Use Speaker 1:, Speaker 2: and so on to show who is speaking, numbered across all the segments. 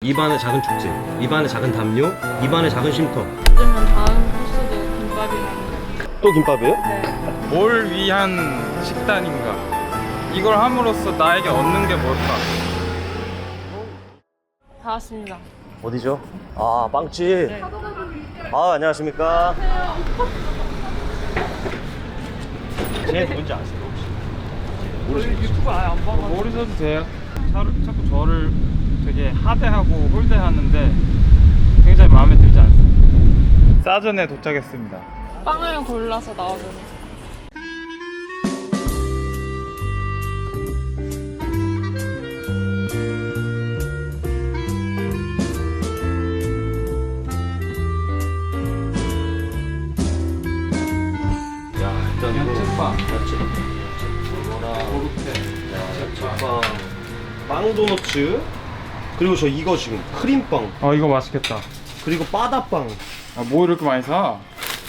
Speaker 1: 입안의 작은 축제, 입안의 작은 담요, 입안의 작은 쉼터.
Speaker 2: 그러면 다음 코스도 김밥이라는.
Speaker 1: 또 김밥이에요?
Speaker 2: 네.
Speaker 3: 뭘 위한 식단인가? 이걸 함으로써 나에게 얻는 게 뭘까?
Speaker 2: 다 왔습니다.
Speaker 1: 어디죠? 아, 빵집.
Speaker 2: 네.
Speaker 1: 아, 안녕하십니까? 쟤 누군지 아세요? 혹시?
Speaker 3: 유튜브 아예 안 봐서 모르셔도 돼요. 자꾸 저를 되게 하대하고 홀대하는데 굉장히 마음에 들지 않습니다. 싸전에 도착했습니다.
Speaker 2: 빵을 골라서 나오면.
Speaker 1: 야, 일단
Speaker 3: 야채빵.
Speaker 1: 야채.
Speaker 3: 고르테.
Speaker 1: 야채빵. 빵 도너츠. 그리고 저 이거 지금 크림빵.
Speaker 3: 이거 맛있겠다.
Speaker 1: 그리고 바다빵.
Speaker 3: 뭐 이렇게 많이 사?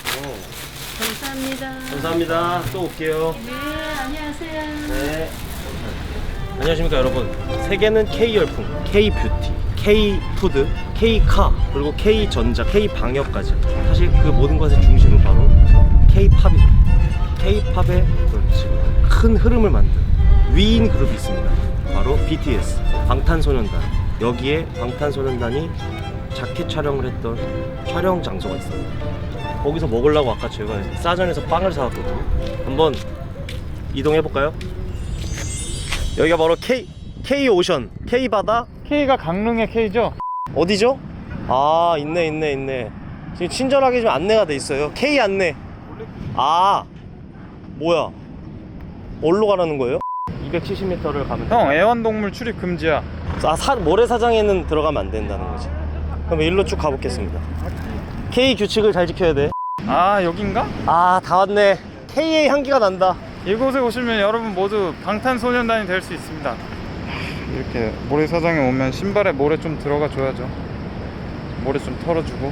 Speaker 2: 감사합니다.
Speaker 1: 감사합니다. 또 올게요.
Speaker 2: 네, 안녕하세요.
Speaker 1: 네. 안녕하십니까 여러분. 세계는 K-열풍, K-뷰티, K-푸드, K-카, 그리고 K-전자, K-방역까지. 사실 그 모든 것의 중심은 바로 K-팝이죠. K-팝의 지금 큰 흐름을 만든 위인 그룹이 있습니다. 바로 BTS, 방탄소년단. 여기에 방탄소년단이 자켓 촬영을 했던 촬영 장소가 있습니다. 거기서 먹으려고 아까 제가 싸전에서 빵을 사왔거든요. 한번 이동해볼까요? 여기가 바로 K-오션, K-바다.
Speaker 3: K가 강릉의 K죠?
Speaker 1: 어디죠? 아, 있네. 지금 친절하게 좀 안내가 돼 있어요. K 안내. 아, 뭐야? 어디로 가라는 거예요? 270m를 가면 돼.
Speaker 3: 형, 애완동물 출입 금지야.
Speaker 1: 모래사장에는 들어가면 안 된다는 거지. 그럼 일로 쭉 가보겠습니다. K 규칙을 잘 지켜야 돼.
Speaker 3: 아, 여긴가?
Speaker 1: 아, 다 왔네. K의 향기가 난다.
Speaker 3: 이곳에 오시면 여러분 모두 방탄소년단이 될 수 있습니다. 이렇게 모래사장에 오면 신발에 모래 좀 들어가 줘야죠. 모래 좀 털어주고.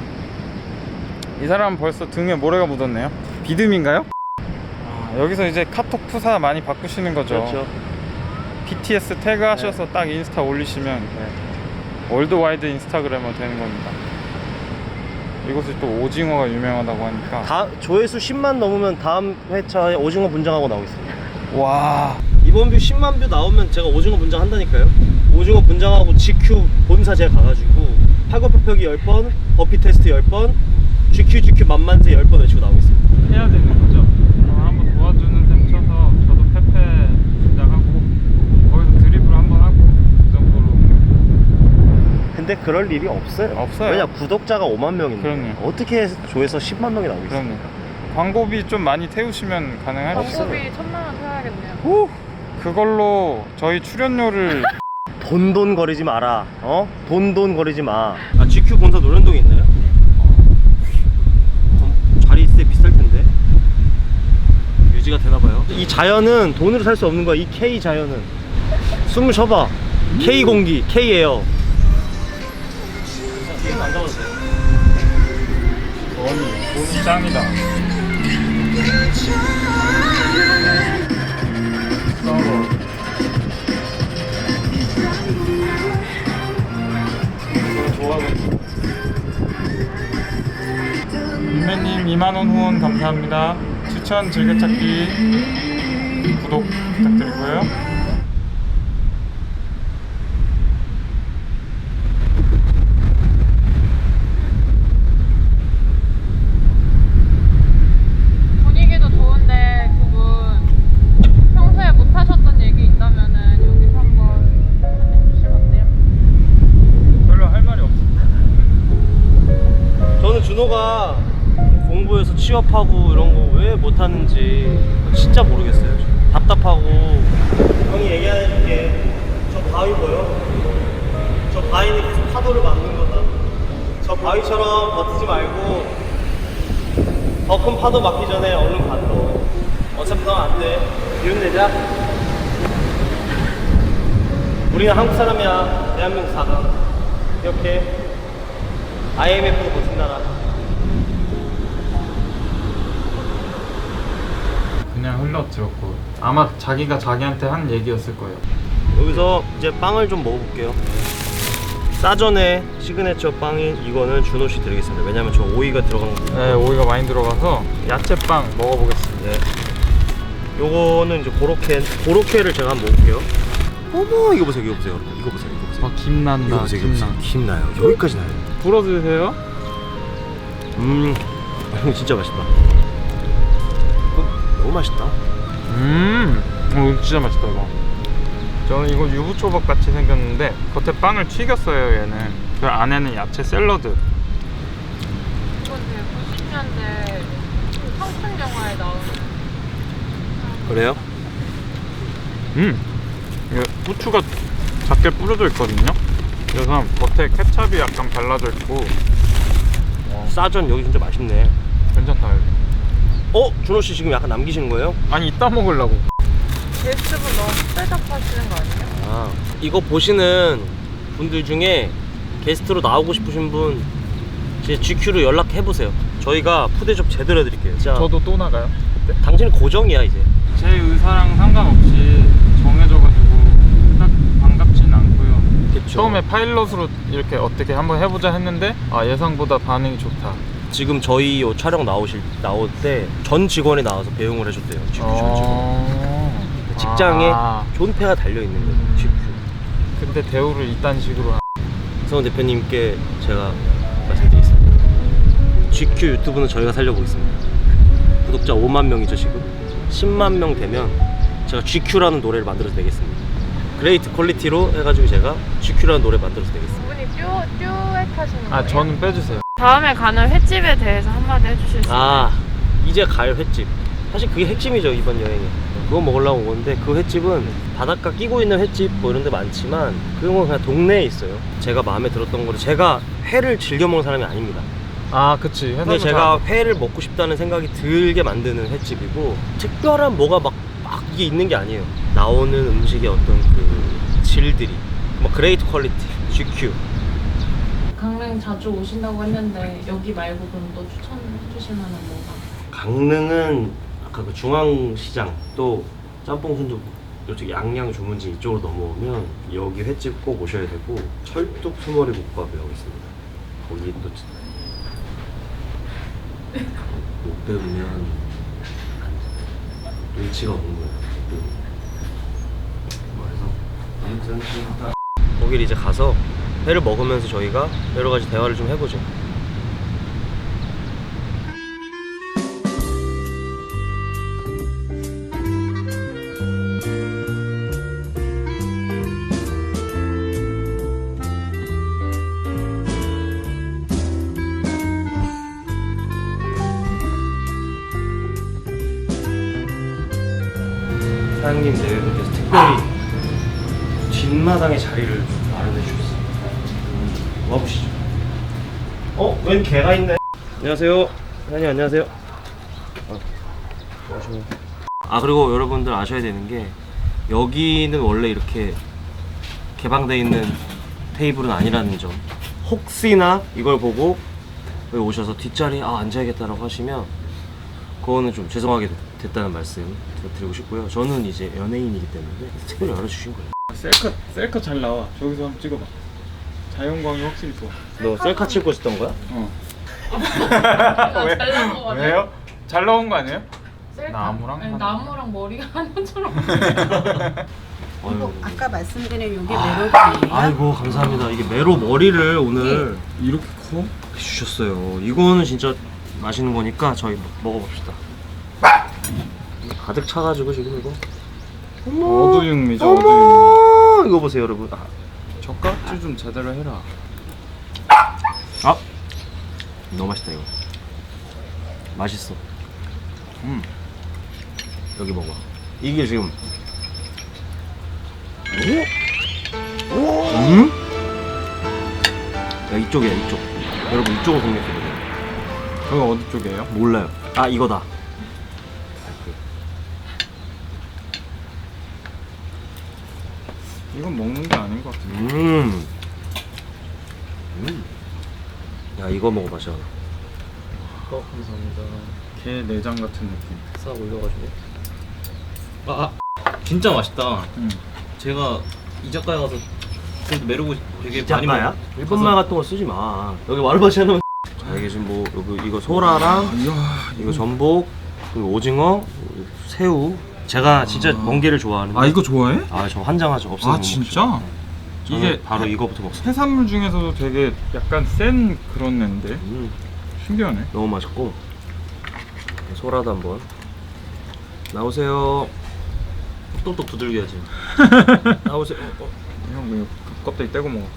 Speaker 3: 이 사람은 벌써 등에 모래가 묻었네요. 비듬인가요? 여기서 이제 카톡 푸사 많이 바꾸시는 거죠.
Speaker 1: 그렇죠.
Speaker 3: BTS 태그 하셔서 딱 인스타 올리시면 월드와이드 인스타그래머 되는 겁니다. 이곳이 또 오징어가 유명하다고 하니까.
Speaker 1: 조회수 10만 넘으면 다음 회차에 오징어 분장하고 나오겠습니다.
Speaker 3: 와,
Speaker 1: 이번 뷰 10만 뷰 나오면 제가 오징어 분장 한다니까요. 오징어 분장하고 GQ 본사 제가 가가지고 팔굽혀펴기 10번, 버피 테스트 10번, GQ 만만세 10번 외치고 나오겠습니다.
Speaker 3: 해야 되는 거죠. 한번 도와주는 셈 쳐서 저도 페페 분장하고 거기서 드리블 한번 하고 그 정도로.
Speaker 1: 근데 그럴 일이 없어요.
Speaker 3: 없어요.
Speaker 1: 왜냐, 구독자가 5만 명인데
Speaker 3: 그럼요.
Speaker 1: 어떻게 해서 조회서 10만 명이 나오겠어요?
Speaker 3: 그럼요. 광고비 좀 많이 태우시면 가능하죠.
Speaker 2: 광고비 1,000만 원 태워야겠네요.
Speaker 3: 후, 그걸로 저희 출연료를
Speaker 1: 돈 거리지 마라. 돈 거리지 마. 아, GQ 본사 노련동에 있나요? 자리 있을 때 비쌀 텐데. 유지가 되나봐요. 이 자연은 돈으로 살 수 없는 거야. 이 K 자연은. 숨을 쉬어봐. K 공기, K 에어. 뒤에는 안 잡아도 돼요.
Speaker 3: 돈이 짱이다. 민매님 2만원 후원 감사합니다. 추천 즐겨찾기 구독 부탁드리고요.
Speaker 2: 분위기도 좋은데 그분 평소에 못 하셨던 얘기 있다면은 여기서 한번 해주시면 어때요?
Speaker 3: 별로 할 말이 없어.
Speaker 1: 저는 준호가 공부해서 취업하고 이런 거 왜 못하는지 진짜 모르겠어요. 답답하고. 형이 얘기 안 해줄게. 저 바위 보여? 저 바위는 계속 파도를 막는 거다. 저 바위처럼 버티지 말고 더 큰 파도 막기 전에 얼른 가들어. 어차피 넌 안 돼. 기운 내자. 우리는 한국 사람이야. 대한민국 사람. 기억해. IMF도 버틴 나라.
Speaker 3: 그냥 흘러들었고 아마 자기가 자기한테 한 얘기였을 거예요.
Speaker 1: 여기서 이제 빵을 좀 먹어볼게요. 싸전의 시그네처 빵인 이거는 준호 씨 드리겠습니다. 왜냐면 저 오이가 들어간 거.
Speaker 3: 네, 오이가 많이 들어가서 야채빵 먹어보겠습니다.
Speaker 1: 네. 요거는 이제 고로케를 제가 한번 먹을게요. 어머, 이거 보세요, 이거 보세요, 여러분. 이거 보세요, 이거 보세요.
Speaker 3: 아, 김 난다.
Speaker 1: 이거 보세요, 이거 보세요. 김 나요. 여기까지 나요.
Speaker 3: 불어주세요.
Speaker 1: 이거 진짜 맛있다. 너무 맛있다.
Speaker 3: 진짜 맛있다 이거. 저는 이거 유부초밥 같이 생겼는데 겉에 빵을 튀겼어요 얘는. 그 안에는 야채 샐러드.
Speaker 2: 이건 되게 90년대 청춘 영화에 나오는.
Speaker 1: 그래요?
Speaker 3: 이게 후추가 작게 뿌려져 있거든요. 그래서 겉에 케찹이 약간 발라져 있고
Speaker 1: 싸전 여기 진짜 맛있네.
Speaker 3: 괜찮다 여기.
Speaker 1: 준호 씨 지금 약간 남기시는 거예요?
Speaker 3: 아니 이따 먹으려고.
Speaker 2: 게스트분 너무 대접하시는 거 아니에요?
Speaker 1: 이거 보시는 분들 중에 게스트로 나오고 싶으신 분 제 GQ로 연락해 보세요. 저희가 푸대접 제대로 해드릴게요. 진짜.
Speaker 3: 저도 또 나가요 그때?
Speaker 1: 당신은 고정이야 이제.
Speaker 3: 제 의사랑 상관없이 정해져가지고 딱 반갑진 않고요.
Speaker 1: 그쵸.
Speaker 3: 처음에 파일럿으로 이렇게 어떻게 한번 해보자 했는데 예상보다 반응이 좋다.
Speaker 1: 지금 저희 요 촬영 나올 때 전 직원이 나와서 배웅을 해줬대요. GQ 전 직원. 직장에 존폐가 달려 있는 거예요. GQ.
Speaker 3: 근데 대우를 이딴 식으로
Speaker 1: 성원 대표님께 제가 말씀드리겠습니다. GQ 유튜브는 저희가 살려보겠습니다. 구독자 5만 명이죠 지금. 10만 명 되면 제가 GQ라는 노래를 만들어서 내겠습니다. 그레이트 퀄리티로 해가지고 제가 GQ라는 노래 만들어서 내겠습니다.
Speaker 2: 두 분이 듀엣 하시는 거예요?
Speaker 3: 저는 빼주세요.
Speaker 2: 다음에 가는 횟집에 대해서 한마디 해주실 수 있나요?
Speaker 1: 이제 갈 횟집. 사실 그게 핵심이죠 이번 여행에. 그거 먹으려고 온 건데 그 횟집은 바닷가 끼고 있는 횟집 뭐 이런 데 많지만 그건 그냥 동네에 있어요. 제가 마음에 들었던 거를, 제가 회를 즐겨 먹는 사람이 아닙니다.
Speaker 3: 그치.
Speaker 1: 근데 제가 회를 먹고 싶다는 생각이 들게 만드는 횟집이고, 특별한 뭐가 막 이게 있는 게 아니에요. 나오는 음식의 어떤 그 질들이 뭐 그레이트 퀄리티, GQ.
Speaker 2: 강릉 자주 오신다고 했는데 여기 말고 그럼 또 추천해 주실 만한 뭐가?
Speaker 1: 강릉은 아까 그 중앙시장 또 짬뽕 순두부 이쪽 양양 주문지 이쪽으로 넘어오면 여기 횟집 꼭 오셔야 되고, 철뚝 수머리 국밥이라고 있습니다. 거기 또 못 배우면 눈치가 없는 거예요. 그래서 거기를 이제 가서 회를 먹으면서 저희가 여러 가지 대화를 좀 해보죠. 사장님 내외분께서 특별히 뒷마당에 자리를 마련해 주셨어요. 와보시죠. 웬 개가 있네. 안녕하세요. 사장님 안녕하세요. 그리고 여러분들 아셔야 되는 게, 여기는 원래 이렇게 개방되어 있는 테이블은 아니라는 점. 혹시나 이걸 보고 여기 오셔서 뒷자리에 앉아야겠다라고 하시면 그거는 좀 죄송하게 됐다는 말씀 드리고 싶고요. 저는 이제 연예인이기 때문에 특별히 열어주신 거예요.
Speaker 3: 셀카 잘 나와. 저기서 한번 찍어봐. 자연광이 확실히 좋아.
Speaker 1: 너 셀카 찍고 있었던 거야?
Speaker 3: 왜?
Speaker 2: 잘 나온 거 같아요.
Speaker 3: 왜요? 잘 나온 거 아니에요?
Speaker 2: 셀카.
Speaker 3: 나무랑
Speaker 2: 아니,
Speaker 3: 하나.
Speaker 2: 나무랑 머리가 하나처럼.
Speaker 1: 아이고.
Speaker 4: 아까 말씀드린 요게 메로디예요.
Speaker 1: 아이고 감사합니다. 이게 메로 머리를 오늘
Speaker 3: 이렇게 커?
Speaker 1: 주셨어요. 이거는 진짜 맛있는 거니까 저희 먹어봅시다. 가득 차가지고 지금 이거.
Speaker 3: 어두육미죠. 어두육미.
Speaker 1: 이거 보세요 여러분.
Speaker 3: 젓가락질 좀 제대로 해라.
Speaker 1: 너무 맛있다 이거. 맛있어. 여기 먹어. 이게 지금. 야 이쪽이야 이쪽. 여러분 이쪽으로 공략해보세요.
Speaker 3: 여기 어디 쪽이에요?
Speaker 1: 몰라요. 이거다.
Speaker 3: 이건 먹는 게 아닌 것 같은데.
Speaker 1: 야 이거 먹어봐 저.
Speaker 3: 감사합니다. 게 내장 같은 느낌.
Speaker 1: 싹 올려가지고. 진짜 맛있다. 제가 이자카야 가서
Speaker 5: 그래도 메르고 되게 많이
Speaker 1: 작가야?
Speaker 5: 먹어.
Speaker 1: 일본말 같은 거 쓰지 마. 여기 와르바시 하는 자, 여기 지금 뭐 여기 이거 소라랑 이거 전복 그리고 오징어 새우. 제가 진짜 멍게를 좋아하는데.
Speaker 3: 아 이거 좋아해?
Speaker 1: 아 저 환장하죠. 없어서
Speaker 3: 아
Speaker 1: 못
Speaker 3: 진짜?
Speaker 1: 먹죠. 저는
Speaker 3: 이게
Speaker 1: 바로 이거부터 먹습니다.
Speaker 3: 해산물 중에서도 되게 약간 센 그런 애인데 신기하네.
Speaker 1: 너무 맛있고 소라도 한번 나오세요. 똑똑 두들겨야지. 나오세요.
Speaker 3: 형 이거 껍데기 떼고 먹어.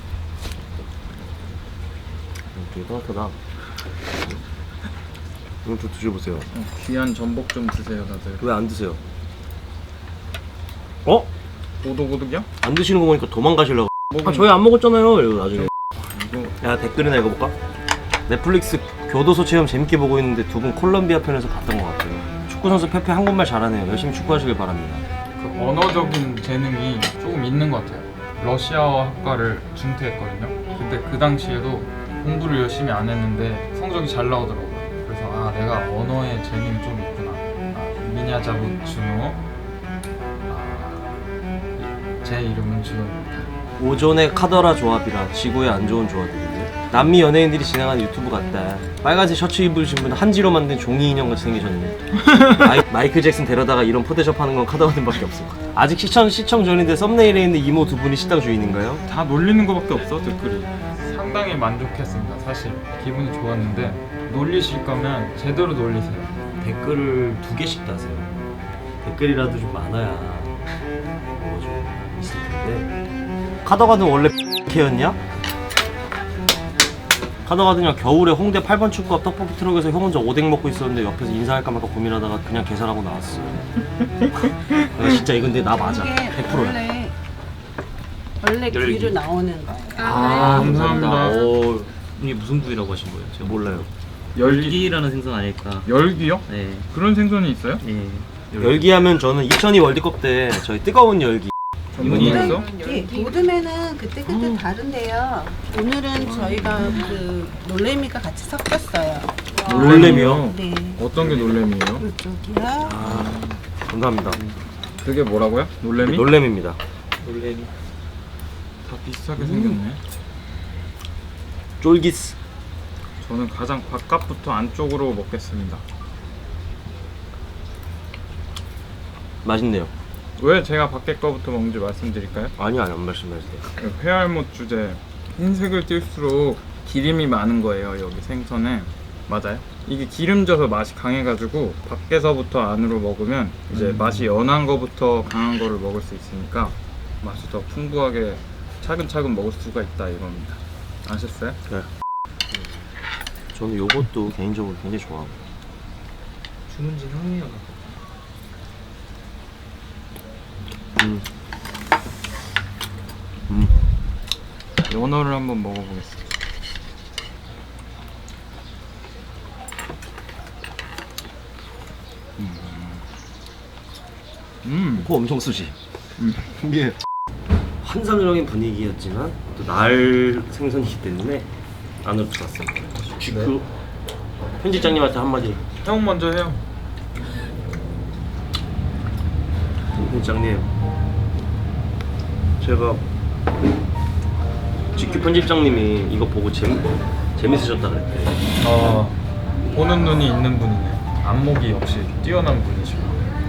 Speaker 1: 되게 따뜻하다. 이거 좀 드셔보세요.
Speaker 3: 귀한 전복 좀 드세요 다들.
Speaker 1: 왜 안 드세요? 어?
Speaker 3: 오독오독이야?
Speaker 1: 안 드시는 거 보니까 도망가시려고.
Speaker 3: 먹으면-
Speaker 1: 아 저희 안 먹었잖아요. 이거 나중에.
Speaker 3: 이거
Speaker 1: 야 댓글이나 읽어볼까? 넷플릭스 교도소 체험 재밌게 보고 있는데 두 분 콜롬비아 편에서 봤던 것 같아요. 축구 선수 페페 한국말 잘하네요. 열심히 축구하시길 바랍니다.
Speaker 3: 그 언어적인 재능이 조금 있는 것 같아요. 러시아어 학과를 중퇴했거든요. 근데 그 당시에도 공부를 열심히 안 했는데 성적이 잘 나오더라고요. 그래서 아 내가 언어에 재능이 좀 있구나. 아, 미냐자부 준호. 제 이름은 준호입니다.
Speaker 1: 오존의 카더라 조합이라 지구에 안 좋은 조합이거든요. 남미 연예인들이 진행하는 유튜브 같다. 빨간색 셔츠 입으신 분 한지로 만든 종이 인형 같이 생기셨네. 마이클 잭슨 데려다가 이런 포대숍 하는 건 카더가든밖에 없을 것 같아. 아직 시청 전인데 썸네일에 있는 이모 두 분이 식당 주인인가요?
Speaker 3: 다 놀리는 거밖에 없어 댓글이. 상당히 만족했습니다. 사실 기분이 좋았는데 놀리실 거면 제대로 놀리세요.
Speaker 1: 댓글을 2개씩 다세요. 댓글이라도 좀 많아야 뭐가 좀 있을 텐데. 카더가든 원래 X였냐? 카더가든이랑 겨울에 홍대 8번 축구앞 떡볶이 트럭에서 형 혼자 오뎅 먹고 있었는데 옆에서 인사할까 말까 고민하다가 그냥 계산하고 나왔어. 내가 진짜 이건 근데 나 맞아.
Speaker 4: 이게
Speaker 1: 100%야.
Speaker 4: 원래 귀로 나오는 거.
Speaker 3: 아, 감사합니다.
Speaker 1: 오,
Speaker 5: 이게 무슨 부위라고 하신 거예요? 제가
Speaker 1: 몰라요.
Speaker 5: 열기라는 생선 아닐까?
Speaker 3: 열기요?
Speaker 5: 네.
Speaker 3: 그런 생선이 있어요?
Speaker 5: 예.
Speaker 1: 열기하면 저는 2002 월드컵 때 저희 뜨거운 열기.
Speaker 3: 전문이
Speaker 5: 이건
Speaker 3: 있어?
Speaker 4: 요즘에는 그때 다른데요. 오늘은 저희가 그 놀래미가 같이 섞였어요.
Speaker 1: 놀래미요?
Speaker 4: 네.
Speaker 3: 어떤 게 놀래미예요?
Speaker 4: 이쪽이요.
Speaker 1: 아, 감사합니다.
Speaker 3: 그게 뭐라고요? 놀래미?
Speaker 1: 놀래미입니다.
Speaker 5: 놀래미.
Speaker 3: 다 비슷하게 생겼네.
Speaker 1: 쫄기스.
Speaker 3: 저는 가장 바깥부터 안쪽으로 먹겠습니다.
Speaker 1: 맛있네요.
Speaker 3: 왜 제가 밖에 거부터 먹는지 말씀드릴까요?
Speaker 1: 아니요, 안 말씀하세요.
Speaker 3: 회알못 주제 흰색을 띨수록 기름이 많은 거예요. 여기 생선에. 맞아요? 이게 기름져서 맛이 강해가지고 밖에서부터 안으로 먹으면 이제 맛이 연한 거부터 강한 거를 먹을 수 있으니까 맛이 더 풍부하게 차근차근 먹을 수가 있다 이겁니다. 아셨어요?
Speaker 1: 네. 저는 요것도 개인적으로 굉장히 좋아하고.
Speaker 5: 주문진 향이야.
Speaker 3: 연어를 한번 먹어보겠습니다.
Speaker 1: 코 엄청 쓰지. 이게 환상적인 분위기였지만 또 날 생선이기 때문에 안으로 들어갔습니다. 그 편집장님한테 한마디.
Speaker 3: 형 먼저 해요.
Speaker 1: 편집장님, 제가 GQ 편집장님이 이거 보고 재밌으셨다 그랬대.
Speaker 3: 보는 눈이 있는 분이네. 안목이 역시 뛰어난 분이시고.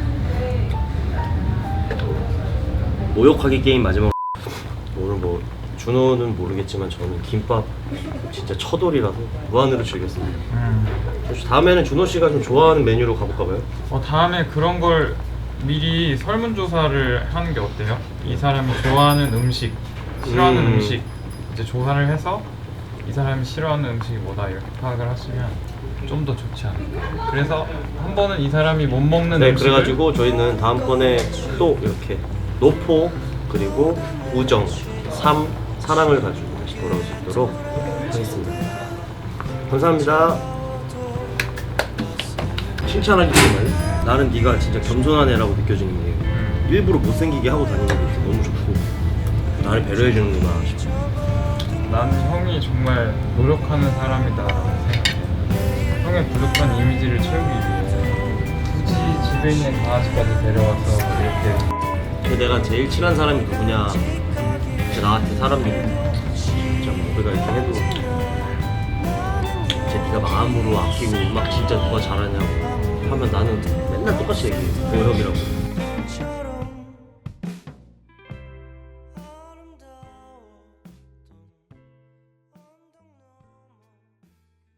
Speaker 1: 모욕하기 게임 마지막. 오늘 뭐 준호는 모르겠지만 저는 김밥 진짜 처돌이라서 무한으로 즐겼습니다. 혹시 다음에는 준호 씨가 좀 좋아하는 메뉴로 가볼까 봐요.
Speaker 3: 다음에 그런 걸 미리 설문조사를 하는 게 어때요? 이 사람이 좋아하는 음식, 싫어하는 음식 이제 조사를 해서 이 사람이 싫어하는 음식이 뭐다 이렇게 파악을 하시면 좀 더 좋지 않을까. 그래서 한 번은 이 사람이 못 먹는
Speaker 1: 네,
Speaker 3: 음식을
Speaker 1: 그래가지고 저희는 다음번에 또 이렇게 노포 그리고 우정, 삶, 사랑을 가지고 다시 돌아올 수 있도록 하겠습니다. 감사합니다. 칭찬하기 때문에 나는 네가 진짜 겸손한 애라고 느껴지는 게 일부러 못생기게 하고 다니는 게 너무 좋고 나를 배려해주는구나 싶어.
Speaker 3: 나는 형이 정말 노력하는 사람이다라고 생각해. 형의 부족한 이미지를 채우기 위해 굳이 집에 있는 강아지까지 데려와서 이렇게
Speaker 1: 내가 제일 친한 사람이 누구냐 진짜 나한테 사람들이 진짜 뭐 우리가 이렇게 해도 진짜 네가 마음으로 아끼고 음악 진짜 누가 잘하냐고 하면 나는 맨날 똑같이 얘기해. 노력이라고.